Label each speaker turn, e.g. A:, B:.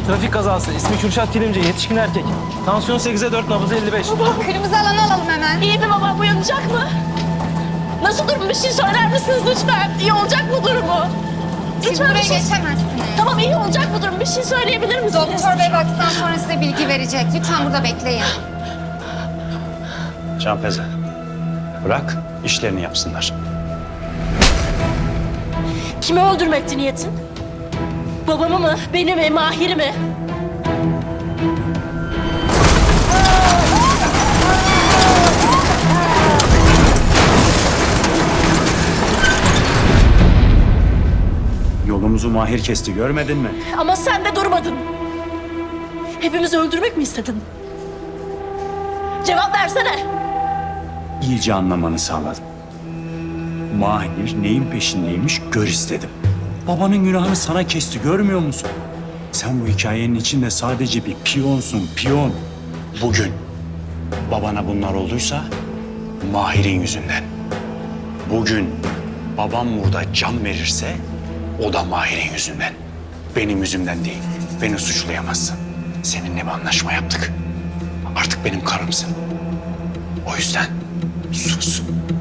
A: Trafik kazası. İsmi Kürşat Kilimci. Yetişkin erkek. Tansiyon 8'e 4, nabzı 55.
B: Kırmızı alanı alalım hemen.
C: İyi mi baba? Uyanacak mı? Nasıl durum? Bir şey söyler misiniz lütfen? İyi olacak mı durumu?
B: Siz
C: Lütfen
B: buraya
C: bir şey...
B: geçemezsiniz.
C: Tamam, iyi olacak mı durum? Bir şey söyleyebilir misiniz?
B: Doktor bey baktıktan sonra size bilgi verecek. Lütfen burada bekleyin.
D: Canfeze, bırak işlerini yapsınlar.
C: Kimi öldürmekti niyetin? Babamı mı? Beni mi? Mahir'i mi?
D: Yolumuzu Mahir kesti, görmedin mi?
C: Ama sen de durmadın. Hepimizi öldürmek mi istedin? Cevap versene.
D: İyice anlamanı sağladım. Mahir neyin peşindeymiş gör istedim. Babanın günahını sana kesti, görmüyor musun? Sen bu hikayenin içinde sadece bir piyonsun, piyon. Bugün babana bunlar olduysa Mahir'in yüzünden. Bugün babam burada can verirse o da Mahir'in yüzünden. Benim yüzümden değil. Beni suçlayamazsın. Seninle bir anlaşma yaptık. Artık benim karımsın. O yüzden sus.